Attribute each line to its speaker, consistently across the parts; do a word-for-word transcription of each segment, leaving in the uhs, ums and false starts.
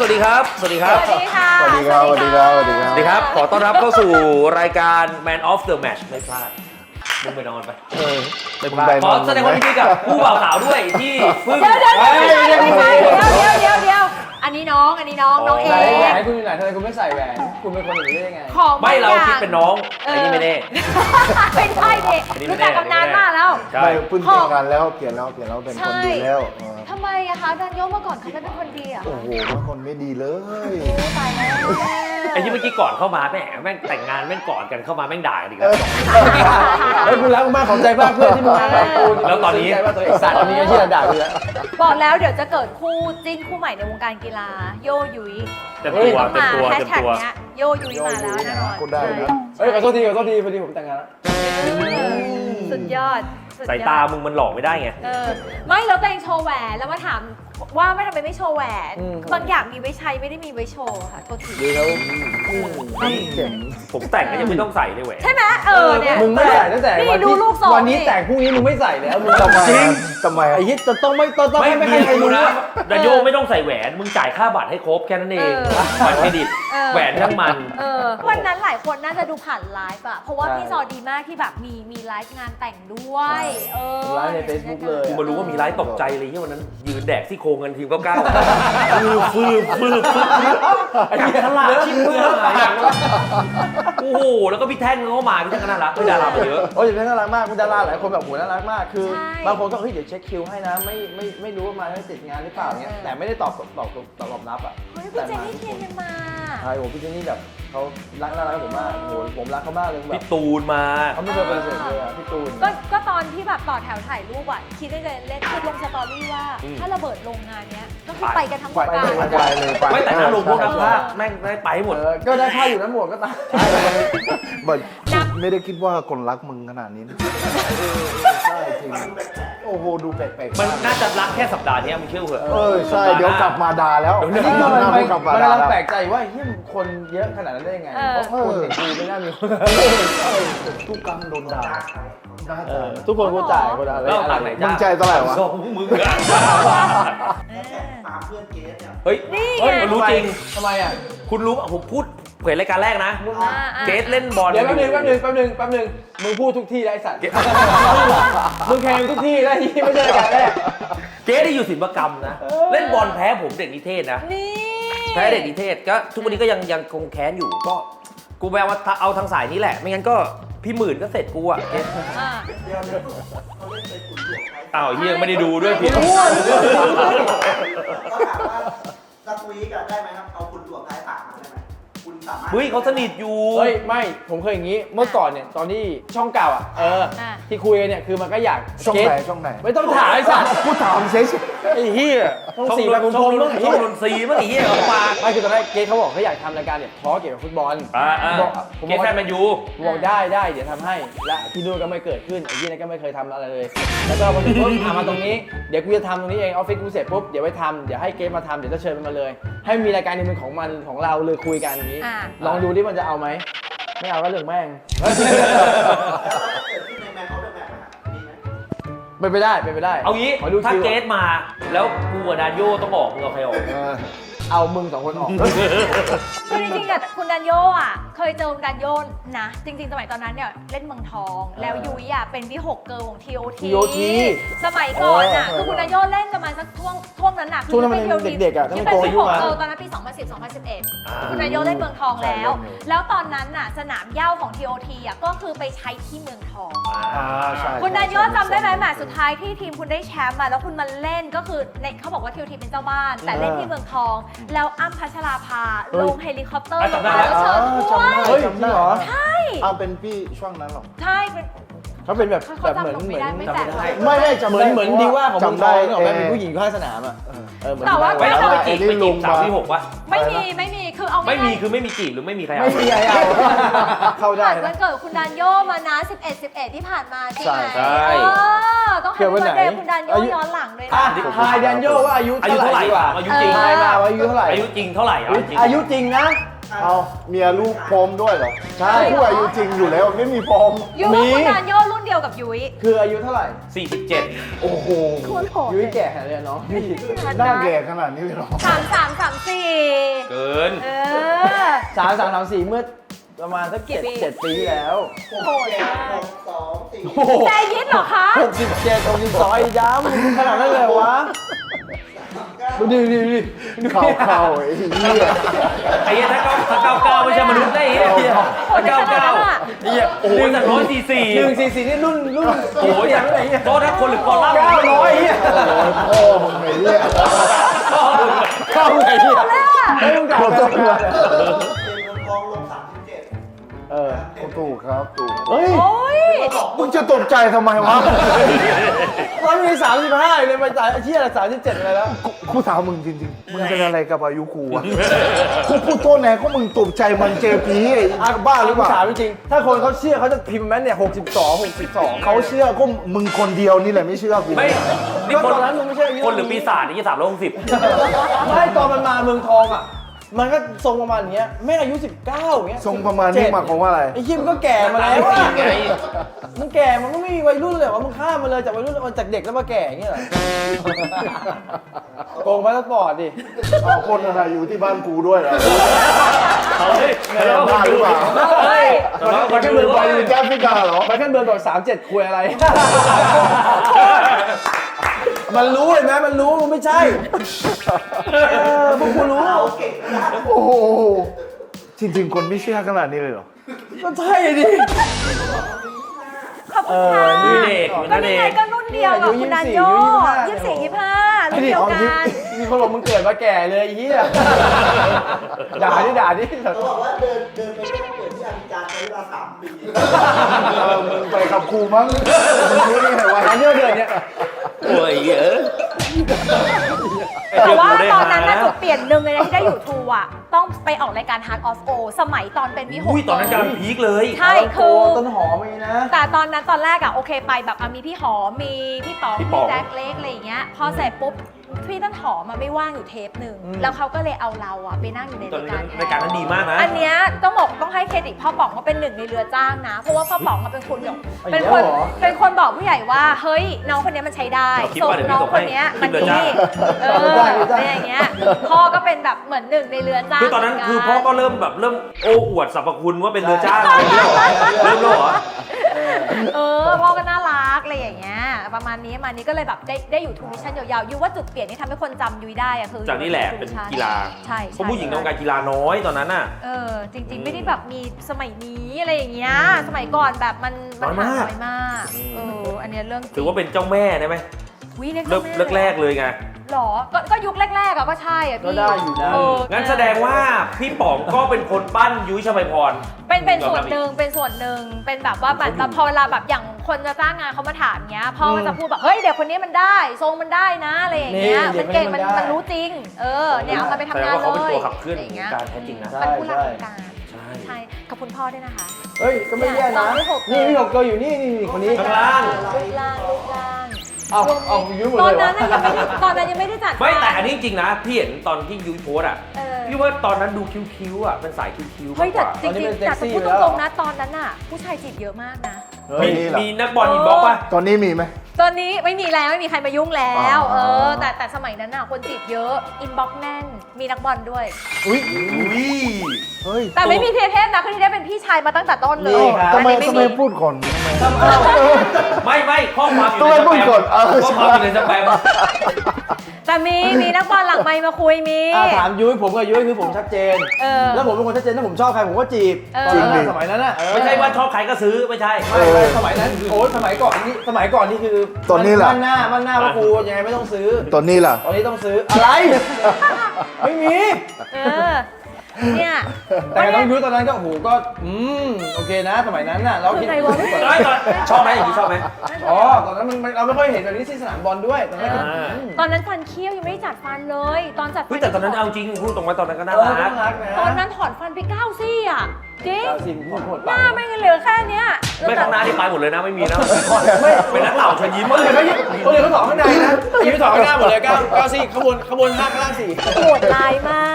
Speaker 1: วัสดีครับสวัสดีครับ
Speaker 2: สวัสดีค่ะ
Speaker 3: สวัสดีครับสวัสดีครับสวัสดีค
Speaker 1: ส
Speaker 3: รับ
Speaker 1: วัสดีครับขอต้อนรับเข้าสู่รายการ Man of the Match ไม่พลาดมึงไปนอนไป
Speaker 3: เออ
Speaker 1: ไม่พลาดขอแสดงความยินดีกับผู้บ่าวสาวด้วยที่เพิ่ง
Speaker 2: เดี๋ยวเดี๋ยวเดี๋ยวเดี๋ยวไม่ใช่เดี๋ยวเดี๋ยวเดี๋ยวเดี๋ยวอันนี้น้องอันนี้น้องน้องเอ
Speaker 4: ไหน
Speaker 2: ง
Speaker 4: แหวนคุณอยู่ไหนทำไมคุณไม่ใส่แหวนคุณเป็นคนอย่างนี้ได้ยังไง
Speaker 2: ของ
Speaker 1: ไม่เราคิดเป็นน้อง
Speaker 2: เอ
Speaker 1: ไอ้
Speaker 2: อ
Speaker 1: นี่ไม่แน่
Speaker 2: ไม่ใช่เด็ก
Speaker 1: อันนี้
Speaker 2: รู้
Speaker 1: ไม่แน่
Speaker 2: จักกันนานมากแล้ว
Speaker 1: ใช่
Speaker 3: ไม่เพิ่งแต่งงานแล้วเปลี่ยนแล้วเปลี่ยนแล้วเป็นคนดีแล้วเออ
Speaker 2: ทำไมอะคะดันโยเมื่อก่อนเขาเป็นคนดีอะ
Speaker 3: โอ้โหเป็นคนไม่ดีเลย
Speaker 2: โอ้ตายแล้ว
Speaker 1: ไอ้ที่เมื่อกี้ก่อนเข้ามาแม่แม่งแต่งงานแม่งกอดกันเข้ามาแม่งด่ากันอีกแล้ว
Speaker 4: เฮ้ยคุณรักมากของใจมากเพื่อนที่มึงมากับกู
Speaker 1: แล้วตอนนี้
Speaker 4: ใจว่าตัวเอกสัตว์ตอนนี้ที่เราด่ากูแล้ว
Speaker 2: บอกแล้วเดี๋ยวจะเกิดคู่จิ้นคู่ใหม่ในวงการกีฬาโยยุ้ย
Speaker 1: เต็มตัว
Speaker 2: ต้อง
Speaker 1: เต็ม
Speaker 2: มา
Speaker 1: ตัว
Speaker 2: แฮช
Speaker 1: เต็ม
Speaker 2: แท็ก
Speaker 1: ตัว
Speaker 2: เนี้ยโยยุ้ยมาแล้วแน่นอน
Speaker 3: ก็ได้นะ
Speaker 4: เฮ้ยขอโทษทีขอโทษทีพอดีผมแต่งงานแล้ว
Speaker 2: สุดยอดสุดยอด
Speaker 1: สายตามึงมันหลอกไม่ได้ไง
Speaker 2: เออไม่แล้วตัวเองโชว์แหวนแล้วมาถามว่าไม่ทำไมไม่โชว์แหวนบางอย่างมีไว้ใช้ไม่ได้มีไว้โชว์ค่ะโทษที
Speaker 4: ดีแล้ว
Speaker 3: เจ๋ง
Speaker 1: ผมแต่งก็ยังไม่ต้องใส่เลยแหวน
Speaker 2: ใช่ไหมเออเนี่ย
Speaker 4: มึงไม่ใส่ตั้งแต่
Speaker 2: นี่
Speaker 4: วัน
Speaker 2: ดู
Speaker 4: ที่
Speaker 2: ลูกศร
Speaker 4: วันนี้
Speaker 2: นี่
Speaker 4: แต่งพรุ่งนี้มึงไม่ใส่แล้วมึง
Speaker 3: ทำไม
Speaker 4: จริง
Speaker 3: ทำไม
Speaker 4: ไอ้ฮิตจะต้องไม่ต้องต้อง
Speaker 1: ไม่
Speaker 4: ไม่
Speaker 1: มี
Speaker 4: ให้ใคร
Speaker 1: กู
Speaker 4: รู้
Speaker 1: นะ
Speaker 4: ว่า
Speaker 1: ดาโยไม่ต้องใส่แหวนมึงจ่ายค่าบัตรให้ครบแค่นั้นเองบัตรเครดิต
Speaker 2: เออ
Speaker 1: แหวนทั้งมัน
Speaker 2: เออวันนั้นหลายคนน่าจะดูผ่านไลฟ์อะเพราะว่าพี่ซอดีมากที่แบบมีมีไลฟ์งานแต่งด้วยเออ
Speaker 4: ผมไลฟ์ใน Facebook เลย
Speaker 1: กูมารู้ว่ามีไลฟ์ตกใจเลยที่วันนั้นยืนแดกซี่โครงกันทีมเก้าเก้าฟืบฟืบฟืบฟืบไอ้เหี้ยขลาดชิบเพื่อโอ้โหแล้วก็พี่แท่งเขามาพี่แท่งก็น่ารักพี่ดารามาเยอะ
Speaker 4: โอ้ยเดี๋ยวน่ารักมากคุณดาราหลายคนแบบโหน่ารักมากคือบางคนก็เฮ้ยเดี๋ยวเช็คคิวให้นะไม่ไม่ไม่รู้ว่ามาให้ติดงานหรือเปล่าเงี้ยแต่ไม่ได้ตอบตอบตอบตอบรับอ่ะ
Speaker 2: เฮ้ยพี่เจนนี่เทียนยังมา
Speaker 4: ใช่ผมพี่เจนนี่แบบเขารักน่ารักผมมากโหผมรักเขามากเลยแบ
Speaker 1: พี่
Speaker 4: บ
Speaker 1: ตูนมา
Speaker 4: เขาไม่เคยปฏิเสธเลยอ่ะพี่ตูน
Speaker 2: ก็ก็ตอนที่แบบต่อแถวถ่ายรูปอะคิดได้เลยเล่นคือลงสตอรี่ว่าถ้าระเบิดโรงงานเนี้ยก็คือไปกันทั้งว
Speaker 3: ไป
Speaker 2: งการ
Speaker 3: ไปไปเลยไป
Speaker 1: ไม่แต่ถ้าลงพวกนักภาคแม่งได้ไปหมด
Speaker 4: เออก็ได้ผ้าอยู่น้ำหมวกก็ตาม
Speaker 3: แบบไม่ได้คิดว่าคนรักมึงขนาดนี้นะใช่จริงโอ้โหดูแปลกๆ
Speaker 1: มันน่าจะรักแค่สัปดาห์นี้มึงเชื่อเหรอ
Speaker 3: เออใช่เดี๋ยวกลับมาด่าแล้ว
Speaker 1: เดี๋ยว
Speaker 4: นี่
Speaker 3: เดี๋ยว
Speaker 4: มัน
Speaker 3: หน้า
Speaker 4: มัน
Speaker 3: กลับมา
Speaker 4: มัน
Speaker 3: ด่าก
Speaker 4: ำลัง
Speaker 3: แล้ว
Speaker 4: แปลกใจว่าเฮ้ยคนเยอะขนาดนั้นได้ยังไงเพราะคนเห็นกูไม่น่ามีคน
Speaker 3: ทุกครั้งโดนด่าด่า
Speaker 4: เออทุกคนกูจ่ายคนอะไร
Speaker 1: แล้ว
Speaker 4: อะ
Speaker 1: ต่างไหน
Speaker 4: ไร
Speaker 3: มึงใจเท่าไหร่วะ
Speaker 1: สองมึงอะ
Speaker 5: ตามเพื่อนเกสเนี่ย
Speaker 1: เฮ้ย
Speaker 2: นี่
Speaker 1: เฮ้ย
Speaker 2: ไง
Speaker 1: มันรู้จริง
Speaker 4: ทำไมอ่ะ
Speaker 1: คุณรู้ป่ะผมพูดเผยรายการแรกนะ
Speaker 2: อ่าอ่า
Speaker 1: เกสเล่นบอล
Speaker 4: เดี๋ยวแป๊บนึงแป๊บนึงแป๊บนึงแป๊บนึงมึงพูดทุกที่ได้สัตว์มึงแข่งทุกที่ได้ที่ไม่ใช่รายการแรก
Speaker 1: เกสได้อยู่ศิลปกรรมนะ เล่นบอลแพ้ผมเด็กนิเทศนะ
Speaker 2: นี่
Speaker 1: แพ้เด็กนิเทศก็ทุกวันนี้ก็ยังยังคงแค้นอยู่ก็กูแปลว่าเอาทางสายนี้แหละ ไม่งั้นก็พี่หมื่นก็เสร็จกูอะเกส
Speaker 2: อ่า
Speaker 5: เดี๋ยวเขาเล่นเป็นขุนหลวงไทย
Speaker 1: อ้าวเฮียไม่ได้ดูด้วยผิด
Speaker 5: ก็ถามว่าสควีกอะได้ไหมครับ เอาขุนหลวงไทยปากมาได้ไหมคุณสามารถ
Speaker 1: เฮ้ยเขาสนิทอยู่
Speaker 4: เฮ้ยไม่ผมเคยอย่างนี้เมื่อก่อนเนี่ยตอนที่ช่องเก่าอ่ะเออที่คุยกันเนี่ยคือมันก็อยาก
Speaker 3: ช่อง
Speaker 4: เก็ต
Speaker 3: ไหนช่องไหน
Speaker 4: ไม่ต้องถามไอ้สัตว์
Speaker 3: พูดถามเฉย
Speaker 4: ไอ้เหี้ยต้อง
Speaker 1: ช่อง
Speaker 4: สี่
Speaker 1: น
Speaker 4: แบบคุณ
Speaker 1: ช่
Speaker 4: พ
Speaker 1: อง
Speaker 4: ง
Speaker 1: น
Speaker 4: ษ์ต้อง
Speaker 1: ช่องนนทรีมั้งไอ้เหี้ยเขามา
Speaker 4: ไม่คือตอนแรกเกตเขาบอกเขาอยากทำรายการเนี่ยทอล์กเกี่ยวกับฟุตบอล
Speaker 1: อ่าอ่า
Speaker 4: บอกผม
Speaker 1: เก
Speaker 4: บอ
Speaker 1: ส
Speaker 4: ก
Speaker 1: แฟนแมนยู
Speaker 4: ผมบอกได้ได้เดี๋ยวทำให้และที่นู่นก็ไม่เกิดขึ้นไอ้ยี่นั่นก็ไม่เคยทำอะไรเลย แล้วก็พอถึงปุ๊บอ่ะมาตรงนี้เดี๋ยวกูจะทำตรงนี้เองออฟฟิศกูเสร็จปุ๊บเดี๋ยวไปทำเดี๋ยวให้เกตมาทำเดี๋ยวจะเชิญมันมาเลย ให้มีรายการในมือของมันของเราเลยคุยกันอย่างนี้ ลองดูที่มันจะเอาไหมไม่เอาก็เรื่องแม่ง
Speaker 5: แล้วถ้าเกิดที่ในแมนเขาเดอะแมทนะครับมีไหม
Speaker 4: เป็นไปได้เป็นไปได้
Speaker 1: เอางี้
Speaker 4: ขอดู
Speaker 1: ถ้า
Speaker 4: คิว
Speaker 1: เกสมาแล้วกูกับดานโยต้องออกมึงเอาใครออก
Speaker 3: ๆเออ
Speaker 4: เอามึงสองคนออก
Speaker 2: คือจริงๆอะคุณดันโยอ่ะเคยเจอคุณดันโยนะ จริงๆ สมัยตอนนั้นเนี่ยเล่นเมืองทอง แล้วยุ้ยอ่ะเป็นพี่หกเกิร์ลของ ที โอ ที
Speaker 4: ที โอ ที
Speaker 2: สมัยก่อนอ่ะ
Speaker 4: โอ้
Speaker 2: คือคุณดันโยเล่นกันมาสักช่วงช่วงนั้นอ่ะ
Speaker 4: ช่วงนั้นมัน
Speaker 2: ที่ป็
Speaker 4: เด็กๆอะ
Speaker 2: ที่
Speaker 4: ต้อง
Speaker 2: เป็น
Speaker 4: โต
Speaker 2: พี่หก
Speaker 4: อายุมา
Speaker 2: เกิร์ลตอนนั้นปี สองพันสิบ สองพันสิบเอ็ด
Speaker 1: อ่า
Speaker 2: คุณดันโยเล่นเมืองทองแล้ว
Speaker 3: ใช่เล่นอยู่
Speaker 2: แล้วตอนนั้นน่ะสนามเหย้าของ ที โอ ที อ่ะก็คือไปใช้ที่เมืองทอง
Speaker 3: อ่าใช่
Speaker 2: คุณดันโยจำได้ไหมแมตช์สุดท้ายที่ทีมคุณได้แชมป์มาแล้วคุณมาเล่นก็คือในเขาบอกว่า ที โอ ที เป็นเจ้าบ้าน แต่เล่นที่เมืองทอง แล้วอ้ำพัชราภาลงเฮลิคอปเตอร์ลงมาแล้วเชิญด้วย
Speaker 4: เฮ้ยจริงเหรอ
Speaker 2: ใช่
Speaker 3: เอาเป็นพี่ช่วงนั้นหรอ
Speaker 2: ใช่เป็น
Speaker 4: เขาเป็นแบบ
Speaker 2: เขา
Speaker 4: แบบ
Speaker 2: จำ
Speaker 4: เหมือน
Speaker 2: หนู
Speaker 4: เห
Speaker 2: ไม่
Speaker 4: มือน
Speaker 2: ได้ไม่แตะเลย
Speaker 3: ไม่ไม่จำ
Speaker 4: เหมือ
Speaker 3: ได้
Speaker 4: นเหมือนดีว่าของเมืองท
Speaker 3: จำ
Speaker 4: อ
Speaker 3: ได้
Speaker 4: งนี่ออกมาเป็นผู้หญิงอยู่ข้างสนามอ่ะเออเหมือน
Speaker 2: แต่ว่า
Speaker 4: ดี
Speaker 1: ไม่
Speaker 4: ว่า
Speaker 1: เข้าไป
Speaker 3: ไอ้
Speaker 1: จีบ
Speaker 3: นี่
Speaker 1: ไปจีบ
Speaker 3: ลุง
Speaker 1: สาว
Speaker 3: มา
Speaker 1: ที่หกวะ
Speaker 2: ไม่มีไม่มีคือเอา
Speaker 1: ไม่มี
Speaker 2: ง่ายๆ
Speaker 1: คือไม่มีจีบหรือไม่มีใครเอา
Speaker 4: ไม่มีใครเอาเข้าได้
Speaker 2: วั
Speaker 4: นะ
Speaker 2: นเกิดคุณดันโยมานะสิบเอ็ด สิบเอ็ดที่ผ่านมาใช่ไหม
Speaker 1: ใช่
Speaker 2: เออต้องให้
Speaker 4: เกิดวัน
Speaker 2: เบอ
Speaker 4: ไหน
Speaker 2: ร์เดย์คุณดันโย
Speaker 4: อายุ
Speaker 2: ย้อนหลังด้วย
Speaker 4: อ่ะ
Speaker 2: นะ
Speaker 4: ทายแดนโยว่าอายุ
Speaker 1: อายุเท่าไหร่
Speaker 4: ดีกว่า
Speaker 1: อายุจริง
Speaker 4: ทายมาว่าอายุเท่าไหร่
Speaker 1: อายุจริงเท่าไหร่เอาจริง
Speaker 4: อายุจริงนะ
Speaker 3: เอาเมียลูกพรมด้วยเหรอ
Speaker 4: ใช่
Speaker 3: ผู้อายุจริงอยู่แล้วไม่มีพรม
Speaker 2: ยุ้ยว่าคุณนานโยรุ่นเดียวกับยุ้ย
Speaker 4: คืออายุเท่าไหร่
Speaker 1: สี่สิบเจ็ด
Speaker 3: โอ้โห
Speaker 2: โคตรโหด
Speaker 4: ยุ้ยแก่ขนาดนี้เนาะพี่
Speaker 3: หน้าแก่ขนาดนี้เลยเหรอ
Speaker 2: สามสามสามสี่
Speaker 1: เกิน
Speaker 2: เออ
Speaker 4: สามสามสามสี่เมื่อประมาณสัก
Speaker 2: กี่
Speaker 4: เจ็ด
Speaker 2: ปี
Speaker 4: เจ็ดปีที่แล้ว
Speaker 2: โหดมาก
Speaker 5: หกสองสี่
Speaker 4: โอ้โห
Speaker 2: แต่ยิดเหรอคะ
Speaker 4: หกสิบเจ็ดหกสิบสองไอ้ย้ำขนาดนั้นเลยวะดูดิดูดิดูดิ
Speaker 3: เข่าเข่าไอ้เหี้ย
Speaker 1: ไอ้เหี้ยถ้าเก้าถ้าเก้าเก้าไม่ใช่มนุษย์ได้ไอ้เหี้ยถ้าเก้าเก้าไอ้เหี้ยโอ้โหจากร้อยสี่สี่
Speaker 4: หนึ่งสี่สี่นี่รุ่นรุ่น
Speaker 1: โอ้ยอย่างไรเงี้ยโทษนะคนหรือปอล่า
Speaker 4: เก้าร้อยเฮีย
Speaker 3: โอ้มึงไอ้เหี้ย
Speaker 4: เข้าไงเฮียไม่ต้องการอะไรกัน
Speaker 5: เกมเมืองทองลงสามสิบเจ็ด
Speaker 4: เออ
Speaker 3: ถูกครับถูก
Speaker 4: เฮ้ย
Speaker 2: โอ้ย
Speaker 3: มึงจะตกใจทำไมวะ
Speaker 4: ตอนมีสามสิบห้าเลยมาจ่ายไอ้เชี่ยสามสิบเจ็ดอะไรแล้ว
Speaker 3: กูถามมึงจริงๆ มึงเป็นอะไรกับอายุกูวะกูพูดโทษแน่ก็มึงตกใจมันเจอผีไอ้
Speaker 4: อ่ะ
Speaker 3: บ้าหรือเปล่า
Speaker 4: ถามจริงๆถ้าคนเขาเชื่อเขาจะพิมพ์แม้เนี่ยหกสิบสองหกสิบสอง
Speaker 3: เขาเชื่อก็มึงคนเดียวนี่แหละไม่เชื่อกู
Speaker 1: ไม่นี่
Speaker 4: ก็
Speaker 1: คน
Speaker 4: ตอนนั้นมึงไม่ใช่อายุ
Speaker 1: คนหรือปีศาจนี่สามร้อยหกสิบ
Speaker 4: ไม่ตอนมันมาเมืองทองอ่ะ มันก็ทรงประมาณเนี้ยไม่อายุสิบเก้าอย่างเงี้ย
Speaker 3: ทรงประมาณนี้หมายความว่าอะไร
Speaker 4: ไอ้เชี่ยมันก็แก่มาแล้วอะ
Speaker 1: ไง
Speaker 4: มึงแก่มันก็ไม่มีวัยรุ่นเลยว่ามึงข้ามมาเลยจากวัยรุ่นมันจากเด็กแล้วมาแก่อย่างเงี้ยเหรอโกงพาสปอร์ตดิ
Speaker 3: เอาคนอะไรอยู่ที่บ้านกูด้วยเหรอ
Speaker 1: เฮ้ย
Speaker 3: แล้วบ้าหรือเปล่า
Speaker 2: เฮ้ย
Speaker 3: มันแค่เมืองไปอยู่แอฟริกาเหรอ
Speaker 4: ไมเคิลเบิร์นบอกสามเจ็ดคุยอะไร มันรู้เห็นไหมมันรู้มึงไม่ใช่เออพวกกูรู้
Speaker 5: เอาเก่งนะ
Speaker 3: โอ้โห จริงๆ คนไม่เชื่อขนาดนี้เลยเหรอ
Speaker 4: ก็ใช่ดิ
Speaker 2: ขอบคุณค่ะ
Speaker 1: มีเด็กมี
Speaker 2: ก็
Speaker 1: เด็
Speaker 2: นี่ไง
Speaker 1: ก
Speaker 2: ก็รุ่นเดียวกับคุณนานโย
Speaker 4: ยี่
Speaker 2: ยี่
Speaker 4: สิ
Speaker 2: สิ
Speaker 4: บบ สี่
Speaker 2: สี่ยี่สิบห้ารุ่นเดียวกัน
Speaker 4: มีคนบอกมึงเกิดมาแก่เลยไอ้เหี้ยด่าดิด่าดิ
Speaker 5: เขาบอกว่าเดินเดินไปแค่เกิดที่อเมริกาใช้เวลาสามปี
Speaker 3: เออมึงไปกับครูมั้งมึงรู้ได้ไงวะ
Speaker 4: อันเนี้ยเดือนเนี้ย
Speaker 1: โอ้ยเออ
Speaker 2: แต่ว่าตอนนั้นน่ะจุดเปลี่ยนหนึ่งเลยนะที่ได้อยู่ทูอ่ะ ต้องไปออกรายการ Heart of O สมัยตอนเป็นวิหก
Speaker 1: อุ้ยตอนนั้นกำลังพีคเลย
Speaker 2: ใช่คือ
Speaker 4: ต้นหอมมีนะ
Speaker 2: แต่ตอนนั้นตอนแรกอะโอเคไปแบบอ่ะมีพี่หอมมีพี่ป๋อง
Speaker 1: พี่ป๋อง
Speaker 2: พี่แจ็คเล็กอะไรอย่างเงี้ยพอเสร็จปุ๊บพี่ต้นหอมมาไม่ว่างอยู่เทปหนึ่ง
Speaker 4: อืม
Speaker 2: แล้วเขาก็เลยเอาเราอะไปนั่งอยู่ใน
Speaker 1: ตอน
Speaker 2: ราย
Speaker 1: นั้
Speaker 2: การ
Speaker 1: นรายการนั้นดีมากนะ
Speaker 2: อันเนี้ยต้องบอกต้องให้เครดิตพ่อป๋องว่าเป็นหนึ่งในเรือจ้างนะ เพราะว่าพ่อป๋องอะเป็นคนแบบเป็นคนเป็นคนบอกผู้ใหญ่ว่าเฮ้ยน้องคนเนี้ยมันใช้ได้
Speaker 1: เราคิด
Speaker 2: ส่ง
Speaker 1: ว่าเดี๋ยว
Speaker 2: น้อง
Speaker 1: ส่ง
Speaker 2: ค
Speaker 1: ให้
Speaker 2: นเนี้ย
Speaker 1: คลิ
Speaker 2: มัน
Speaker 1: ปเรือ
Speaker 2: ดี
Speaker 1: จ้าง
Speaker 2: เออเป็นอย่างเงี้ยพ่อก็เป็นแบบเหมือนหนึ่งในเรือจ้าง
Speaker 1: คือตอนนั้น
Speaker 2: เหมื
Speaker 1: คือ
Speaker 2: กั
Speaker 1: พ่อก็เริ่มแบบเริ่มโอ้อวดสรรพคุณว่าเป็นเรือจ้างอะไรอย่างเงี้ยเหรอเริ่มแล้วเหรอ
Speaker 2: เออพ่อก็น่ารักอะไรอย่างเงี้ยประมาณนี้ประมาณนี้ก็เลยแบบได้ได้อยู่ทูมิชชั่นยาวๆยูว่าจุดเปลี่ยนที่ทำให้คนจำยุ้ยได้อะคือ
Speaker 1: จากนี่แหละเป็นกีฬา
Speaker 2: ใช่
Speaker 1: เพราะผู้หญิงต้องการกีฬาน้อยตอนนั้นน่ะ
Speaker 2: เออจริง ๆ ไม่ได้แบบมีสมัยนี้อะไรอย่างเงี้ยสมัยก่อนแบบมันมันหา
Speaker 1: น้อยมาก
Speaker 2: น้อยมากเอออันเนี้ยเรื่องจริง
Speaker 1: ถือว่าเป็นเจ้าแม่ได้ไหม
Speaker 2: วิเรียก
Speaker 1: เริ่ม
Speaker 2: แม่
Speaker 1: แรกๆเลยไง
Speaker 2: หรอก็ก็ยุคแรกๆอะก็ใช่อะ
Speaker 4: ก็
Speaker 2: พี่
Speaker 4: ได้อยู่นะ
Speaker 2: เออ
Speaker 1: งั้นแสดงว่าพี่ป๋องก็เป็นคนปั้นยุ้ยชมัยพร
Speaker 2: เป็นเป็นส่วนหนึ่งเป็นส่วนหนึ่งเป็นแบบว่าแบบแบบพอเวลาแบบอย่างคนจะจ้างงานเขามาถามเงี้ยพ่อก็จะพูดแบบเฮ้ยเด็กคนนี้มันได้ทรงมันได้นะอะไรอย่างเงี้ย
Speaker 4: นี่
Speaker 2: มันเก่ง
Speaker 4: เด็
Speaker 2: มั
Speaker 4: ก
Speaker 2: น
Speaker 4: คนนี้มันได้
Speaker 2: มันรู้จริง เออเนี่ยเอามาไปทำ
Speaker 1: แสด
Speaker 2: งาน
Speaker 1: ว่าเขา
Speaker 2: เล
Speaker 1: เป็น
Speaker 2: ย
Speaker 1: ตัวขับเคลื่อน
Speaker 2: อะไรอย่างเงี้ย
Speaker 1: การแท้จริงนะ
Speaker 4: ใช่
Speaker 2: เป็นผู้รัก
Speaker 4: ใช่
Speaker 2: วงการ
Speaker 1: ใช่
Speaker 2: ใช่กับคุณพ่อด้วยนะคะ
Speaker 4: เฮ้ยก็ไม่แย่นะ
Speaker 2: เนี่ยตอนที่หก
Speaker 4: นี่พี่หกเกออยู่นี่นี่นี่คนนี้
Speaker 1: ข้างล่าง
Speaker 2: รูปร่างรูปร่าง
Speaker 4: เอาเอายุ้ยหมด
Speaker 2: ตอน
Speaker 4: เลยวะ
Speaker 2: นั้นน่ะยังไม่ได้ตอนนั้นยังไม่ได้จัด
Speaker 1: ไม่แต่อันนี้จริงๆนะพี่เห็นตอนที่ยุ้ยโพสอ่ะ
Speaker 2: เออ
Speaker 1: พี่ว่าตอนนั้นดูคิ้วๆอ่ะเป็นสายคิ้วๆ
Speaker 2: เฮ้
Speaker 1: มาย กก
Speaker 2: แต่
Speaker 1: ว่า
Speaker 2: จริงๆแต่พูดตรงๆนะตอนนั้นน่ะ ผู้ชายจีบเยอะมากนะ
Speaker 3: เฮ้ย
Speaker 1: มี
Speaker 3: นี่เหรอ
Speaker 1: มีนักบอลอินบ็อกซ์ป่ะ
Speaker 3: ตอนนี้มีไหม
Speaker 2: ตอนนี้ไม่มีแล้วไม่มีใครมายุ่งแล้ว
Speaker 3: อ๋อ
Speaker 2: เออ แต่แต่สมัยนั้นน่ะคนจีบเยอะอินบ็อกแน่นมีนักบอลด้วย
Speaker 3: อุ้ย
Speaker 1: อุ้ย
Speaker 3: เฮ้ย
Speaker 2: แต่ไม่มีเทเทพนะคือเทเทพเป็นพี่ชายมาตั้งแต่ต้นเลย
Speaker 4: นี่ครับ
Speaker 3: ทำไม
Speaker 2: อันนี้
Speaker 3: ทำไม
Speaker 2: ไม่มี
Speaker 3: พูดก่อนทำไม
Speaker 1: ไม่ไม่ข้อความอยู่
Speaker 3: ต้อง
Speaker 1: ใน
Speaker 3: ให้
Speaker 1: ส
Speaker 3: พูด
Speaker 1: แปม
Speaker 3: ก่อนเออ
Speaker 1: ข้อความอยู่ในสแปม
Speaker 2: แต่มีมีนักบอลหลังไมค์มาคุยมี
Speaker 4: อ่ะถามยุ้ยผมกับยุ้ยคือผมชัดเจน
Speaker 2: เออ
Speaker 4: แล้วผมเป็นคนชัดเจนถ้าผมชอบใครผมก็จีบ
Speaker 2: เออ
Speaker 4: ตอนนั้น
Speaker 3: จริ
Speaker 4: น่ะ
Speaker 3: งดิ
Speaker 4: สมัยนั้นน่ะเออ
Speaker 1: ไม่ใช่ว่าชอบใครก็ซื้อไม่ใช่
Speaker 4: ไม่ไม่สมัยนั้นโอ้สมัยก่อนนี่สมัยก่อนนี่คือ
Speaker 3: ตอนนี้ล่ะ
Speaker 4: มั่นหน้ามั่นหน้าว่ากูยังไงไม่ต้องซื้อ
Speaker 3: ตอนนี้ล่ะ
Speaker 4: ตอนนี้ต้องซื้ออะไร ไม่มี
Speaker 2: เออเนี่ย
Speaker 4: แต่น้องยุ้ยตอนนั้นก็โอ้โหก็อืมโอเคนะ สมัยนั้นน่ะเรา
Speaker 2: คือ
Speaker 4: คิด
Speaker 2: ไงวะ
Speaker 1: ตอนตอนชอบไหมอย่างนี้ชอบไหม
Speaker 4: อ๋อตอนนั้นมันเราไม่ค่อยเห็นแบบนี้ที่สนามบอลด้วยตอนนั้นก็
Speaker 1: อ่า
Speaker 4: อืม
Speaker 2: ตอนนั้นฟันเคี้ยวยังไม่ได้จัดฟันเลย ตอนจัดฟั
Speaker 1: เฮ้ยแต่ตอนนั้นเอาจริงพูดตรงว่าตอนนั้นก็น่า
Speaker 4: เออ
Speaker 1: รัก
Speaker 4: น่ารักนะ
Speaker 2: ตอนนั้นถอนฟันไปเก้าซี่อ่ะจริง
Speaker 4: เก้าสิบพูดโหด
Speaker 2: ห
Speaker 4: ไป
Speaker 2: น้าไม่งเหลือแค่เนี้ย
Speaker 1: ไม่ข้างหน้าที่ไปหมดเลยนะไม่มีนะ
Speaker 4: ไม่
Speaker 1: เป็นนักเต่าเชิญยิ้ม
Speaker 4: คน
Speaker 1: เล
Speaker 4: อื่
Speaker 1: ย
Speaker 4: นเขาคนอื่นเขาถอนข้างในนะยิ้มถอนข้างหน้าหมดเลยเก้าเก้าสี่ขบวนขบวนห้าข้างล่างสี่
Speaker 2: โหดร้ายมาก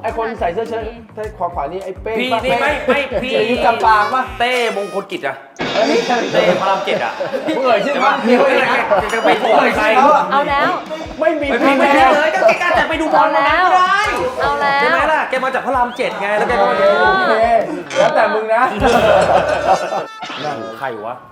Speaker 4: ไอคนใส่เสื้อเชิ้ตใส่ขวาขวานี่ไอเป้ง
Speaker 1: พี่
Speaker 4: ปะ
Speaker 1: นี่ไม่ไม่พี่
Speaker 4: อายุจำปางปะ
Speaker 1: เต้มงคลกิจอะ
Speaker 4: เอ้ย
Speaker 1: เต้พระรามเจ็ดอะ
Speaker 4: มึงเอ่ยชื่อว่า
Speaker 1: เดี๋ยวจะไปโทษใคร
Speaker 2: เอาแล้ว
Speaker 4: ไม่มี
Speaker 1: ไม่พี่ไม่ได้เลยก็แกจะไปดูบอลวันนั้นก็ได้
Speaker 2: เอาแล้ว
Speaker 1: ใช่ไหมล่ะแกมาจากพระรามเจ็ดไงแล้วแกก็
Speaker 4: โอ
Speaker 1: มา
Speaker 4: เค
Speaker 1: ดู
Speaker 4: โอเคแล้วแต่มึงนะ
Speaker 1: ใครวะ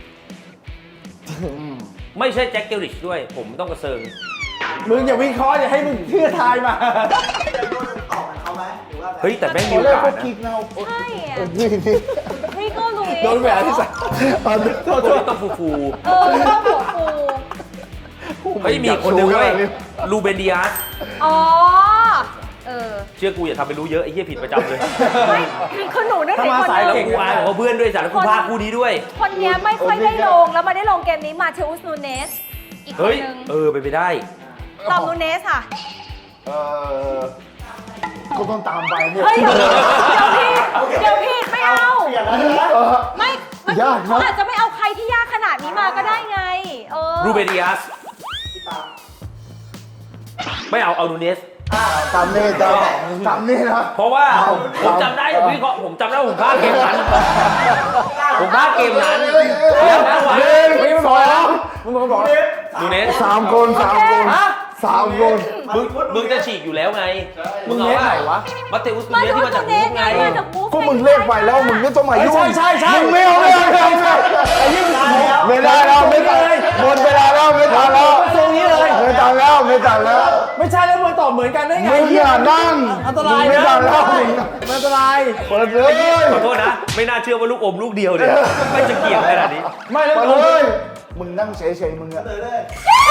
Speaker 1: ไม่ใช่แจ็คเกลริชด้วยผมต้องกระเซิง
Speaker 4: มึงอย่าวิเคราะห์อย่าให้มึงเชื่อทายมา
Speaker 5: พี่จะรู้ตอบกับเขาไหมหรือว่าแบบ
Speaker 1: เฮ้ยแต่แม่งมี
Speaker 3: ตอ
Speaker 1: โอน
Speaker 3: แรก
Speaker 1: กา
Speaker 3: ก็
Speaker 1: สนะ
Speaker 3: คิดนะ
Speaker 2: ใช่อะ
Speaker 3: นี่นี่
Speaker 2: พี่ก็รู้
Speaker 4: โดนแหวนที่ใส่
Speaker 3: โทษ
Speaker 1: โอ้
Speaker 3: โทษ
Speaker 1: ยต้องฟูฟู
Speaker 2: เออต้องหัวฟู
Speaker 1: เฮ้ยมีคนหนึงเว้ยลูเบนดิอาส
Speaker 2: อ๋อ เออ
Speaker 1: เชื่อกูอย่าทำไปรู้เยอะไอ้เหี้ยผิดประจำเลย
Speaker 2: ไม่คือหนูนึกถึงคน
Speaker 1: แล้ว
Speaker 2: นึง
Speaker 1: กูอายของเขาเพื่อนด้วยสารกูพาคู่นี้ด้วย
Speaker 2: คนเนี้ยไม่ค่อยได้ลง แล้วมาได้ลงเกมนี้มาเทอุสนูเนส อีกคน
Speaker 1: เฮ้ย
Speaker 2: นึง
Speaker 1: เออไปนไปได้
Speaker 2: ตอมนูเนสค่ะ
Speaker 3: เออก็ต้องตามไปเนี่ย
Speaker 2: เฮ้ย เดี๋ยวพี่เดี๋ยวพี่ไม่เอา
Speaker 5: เปลี่ยนแล้วใช่ไหม
Speaker 3: เออ
Speaker 2: ไม่มัน
Speaker 3: ยากนะ
Speaker 2: เขาอาจจะไม่เอาใครที่ยากขนาดนี้มาก็ได้ไง เออ
Speaker 1: รูเบนดิอาส
Speaker 5: พี่ปาล์ม
Speaker 1: ไม่เอาเอานูเนส
Speaker 3: ตามนี่ตามตามนี่นะ
Speaker 1: เพราะว่า
Speaker 3: เอา
Speaker 1: ผมจำได้ผมวิเคราะห์ผมจำได้ว่าผมพลาดเกมนั้น ผมพลาดเกมนั้นแล้วจังหวะ
Speaker 3: หนึ่ง
Speaker 4: มึง
Speaker 3: ส
Speaker 4: บอก
Speaker 3: อ
Speaker 4: แล้ว
Speaker 3: ง
Speaker 4: มึงบอกบอก
Speaker 1: นูเนส
Speaker 3: สามคนสามคน
Speaker 4: ฮะ
Speaker 3: สามคน
Speaker 1: มึงมึงจะฉีกอยู่แล้วไง
Speaker 4: มึงเนสไหนวะ
Speaker 1: มาเตอุสนู
Speaker 2: มา
Speaker 1: เนส
Speaker 2: ดู
Speaker 1: ที่มา
Speaker 2: นู
Speaker 1: จาก
Speaker 2: เน
Speaker 1: มู
Speaker 2: ส
Speaker 1: ฟ
Speaker 2: ไง
Speaker 1: ไง
Speaker 2: มาจากมูฟ
Speaker 3: ก็มึงเล่นไปแล้วมึงไม่ต้องมายุ่ง
Speaker 4: ใช่ใช่ใช่
Speaker 3: มึงไม่เอาไม่เอาไม่เอาไม่เอา
Speaker 4: ไอ้ยี่มึง
Speaker 3: ไม่ได้แล้วไม่ได้หมดเวลาแล้วไม่ทันแล้ว
Speaker 4: ทรงนี้เลย
Speaker 3: ไม่ทันแล้วไม่ทันแล้ว
Speaker 4: ไม่ใช่แล้วมึงตอบเหมือนกันได้ไง
Speaker 3: มึงอย่านั่ง
Speaker 4: อันตราย
Speaker 3: มึงไม่
Speaker 4: นะ
Speaker 3: ทันแล้วมึง
Speaker 4: อันตราย
Speaker 3: เปิดเลย
Speaker 1: ขอโทษนะ ไม่น่าเชื่อว่าลูกอมลูกเดียวเนี่ยไม่จะเกี่ยวขนาดนี้
Speaker 4: ไม่แล้ว
Speaker 3: เปิด
Speaker 4: มึง
Speaker 3: เลยมึงนั่งเฉยๆมึงอะ
Speaker 5: เลยเลย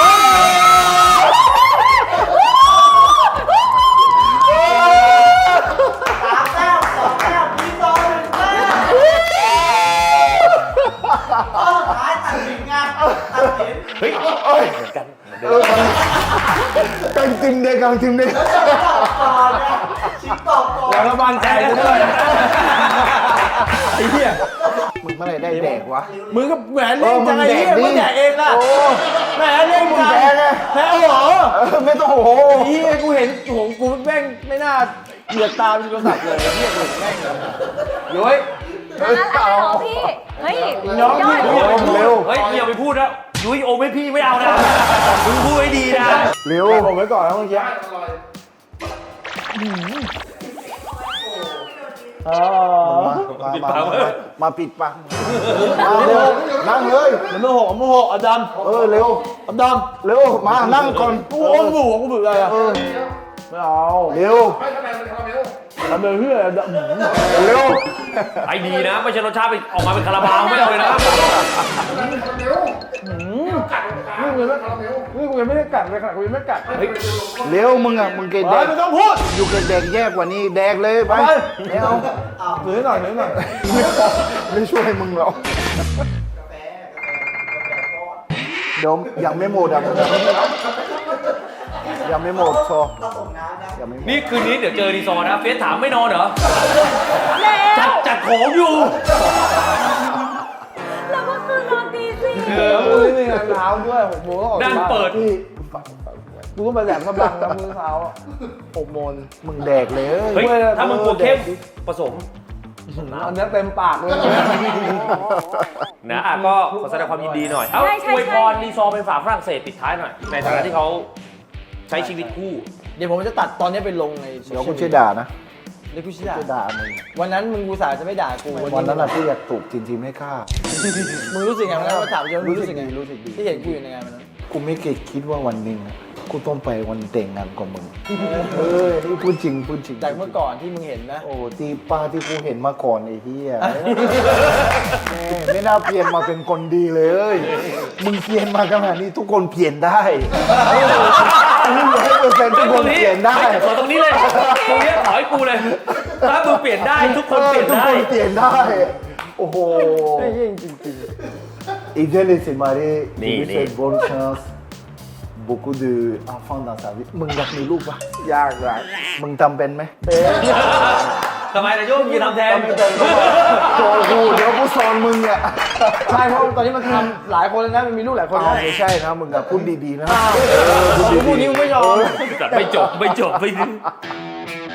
Speaker 5: สามแต้มสองแต้มมีสองหนึ่งแต้มข้อสุดท้ายตัดสินไงตัดสิน
Speaker 1: เฮ้ย
Speaker 3: เอ้ย
Speaker 1: กัน
Speaker 3: เออกังจิมเด็กกังจิมเด็ก
Speaker 5: ตอบก่อนเนี่ยชิงตอบก่อน
Speaker 4: แล้วก็มั่นใจซะด้วยไอ้เหี้ย
Speaker 3: มึงเมื่อไหรได้แดกวะ
Speaker 4: มึงก็แหวนเล่นจังไอ้เหี้ย
Speaker 3: เออมึ
Speaker 4: มึ
Speaker 3: ง
Speaker 4: ง
Speaker 3: แด
Speaker 4: แด
Speaker 3: ก
Speaker 4: ก
Speaker 3: ดิ
Speaker 4: เองล่ะ
Speaker 3: โอ้
Speaker 4: แหมเล่น
Speaker 3: มึง
Speaker 4: จัง
Speaker 3: แพ้ไง
Speaker 4: แพ้เอาเหรอ
Speaker 3: เออไม่ต้องโอ้โห
Speaker 4: ไอ้เหี้ยกูเห็นโอ้โหกูแม่งไม่น่าเหยียดตามโทรศัพท์เลยไอ้เหี้ยกูแม่งย้อย
Speaker 2: อะไรเหรอพี่ เฮ้ย
Speaker 4: น้องพี่
Speaker 2: ย
Speaker 3: โอ้
Speaker 2: อด
Speaker 3: โหเร็ว
Speaker 1: เฮ้ยอย่าไปพูดนะยุ้ยโอมให้พี่ไม่เอานะมึงพูดให้ดีนะ
Speaker 3: เร็ว
Speaker 4: ผมไว้ก่อนนะเมื่อกี้อ๋อ
Speaker 3: มามามามามาปิดปากมาเร็วนั่งเลย
Speaker 4: เดี๋ยวมือหกมือหกเอาดำ
Speaker 3: เออเร็ว
Speaker 4: เอาดำ
Speaker 3: เร็วมานั่งก่อน
Speaker 4: กูอมบูกูบึกอะไรอ่ะ
Speaker 3: เออ
Speaker 4: ไม่เอา
Speaker 3: เร็ว
Speaker 4: ทำเลยเพื่ออะไรดำ
Speaker 3: เร็ว
Speaker 1: ไอ้ดีนะ ไม่ใช่รสชาติเป็นออกมาเป็นคาราบาวไม่เอาเลยนะ
Speaker 4: นี่กูยังไม่นี่กูยังไม่ได้กัดเลยขนาดกูยังไม่กัด
Speaker 1: เฮ้ย
Speaker 3: เร็วมึงอ่ะมึงเกณฑ์แด
Speaker 4: เฮ้ย
Speaker 3: ก
Speaker 4: ไม่ต้องพูด
Speaker 3: อยู่กับแดกแยกกว่านี้แดกเลยไป
Speaker 4: ไป
Speaker 3: ไม่เอา
Speaker 4: ถือหน่อยถือหน่อย
Speaker 3: ไม่พอไม่ช่วยมึงหรอกเดี๋ยวยังไม่หมดอ่ะมึงอะยังไม่หมดโชว์
Speaker 5: ผสมน้ำนะ
Speaker 3: ยังไม่หมด
Speaker 1: นี่คืนนี้เดี๋ยวเจอรีซอร์นะ เฟซถามไม่นอนเหรอ
Speaker 2: แล้
Speaker 1: จัด
Speaker 2: ว
Speaker 1: จัดของอยู่
Speaker 2: แล้วก็คือนอนตีสี่
Speaker 4: แล้วกูนี่มีงานเท้าด้วยหกโมงต้องออก
Speaker 1: นั่งเปิด
Speaker 3: ที่
Speaker 4: กูต้องไปแหลมกำลังนะมือเท้าอ่ะ
Speaker 3: หกโมงมึงแดกเลย
Speaker 1: เฮ้ย ถ้ามึงกลัวเข้มผสม
Speaker 4: อันนี้เต็มปากเลย
Speaker 1: นะอ่ะก็ขอแสดงความยินดีหน่อย เอ้าอวยพรรีซอร์เป็นฝาฝรั่งเศสปิดท้ายหน่อย ในฐานะที่เขาใช้ชีวิตคู่
Speaker 4: เดี๋ยวผมจะตัดตอนนี้ไปลงใน
Speaker 3: เดี๋ยวกูช่วยด่านะ
Speaker 4: เดี๋ยวกูชี้ด่า
Speaker 3: ช่วยด่ามึง
Speaker 4: วันนั้นมึงกูสาจะไม่ด่ากู
Speaker 3: วันนั้นน่ะกูอยากถูกทีมทีมให้ฆ่า
Speaker 4: มึงรู้สึกไงวันนั้นมาถามเยอะมึงรู้สึกไง
Speaker 3: รู้สึกดี
Speaker 4: ที่เห็นกูอยู่ในงานวันนั้น
Speaker 3: กูไม่เคยคิดว่าวันหนึ่งอะกูต้องไปวันแต่งงานกับมึงเออนี่พูดจริงพูดจริง
Speaker 4: จากเมื่อก่อนที่มึงเห็นนะ
Speaker 3: โอ้ที่ป้าที่กูเห็นมาก่อนไอ้เหี้ยแม่ไม่น่าเปลี่ยนมาเป็นคนดีเลย มึงเปลี่ยนมาขนาดนี้ทุกคนเปลี่ยนได้ร้อยเปอร์เซ็นต์ทุกคนเปลี่ยนได้
Speaker 1: ขอตรงนี้เลย ตรงนี้ขอให้กูเลย ถ้ามึงเปลี่ยนได้ทุกคนเปลี่ยน
Speaker 3: ทุก
Speaker 1: ได้
Speaker 3: คนเปลี่ยนได้ โอ้โห
Speaker 4: ไม่จริงจริงจริง
Speaker 3: Il vient de se marier,
Speaker 1: Ni,
Speaker 3: il lui
Speaker 1: ni.
Speaker 3: souhaite bonne chance, beaucoup d'enfants dans sa vie. มึงอยากมีลูกปะ
Speaker 4: ยากยาก
Speaker 3: มึงทำเป็นไหม
Speaker 1: ทำไมนายโยมยืนทำแทน
Speaker 3: โจกูเดี๋ยวกูสอนมึงอ่ะ
Speaker 4: ใช่เพราะตอนนี้มันทำหลายคนแล้วนะมันมีลูกหลายคน
Speaker 3: เอา
Speaker 4: แล้ว
Speaker 3: ไม่ใช่นะมึงอะพูดดีๆนะ
Speaker 4: พูดนี้มึงไม่ยอม
Speaker 1: ไม่จบ ไม่จบ ไม่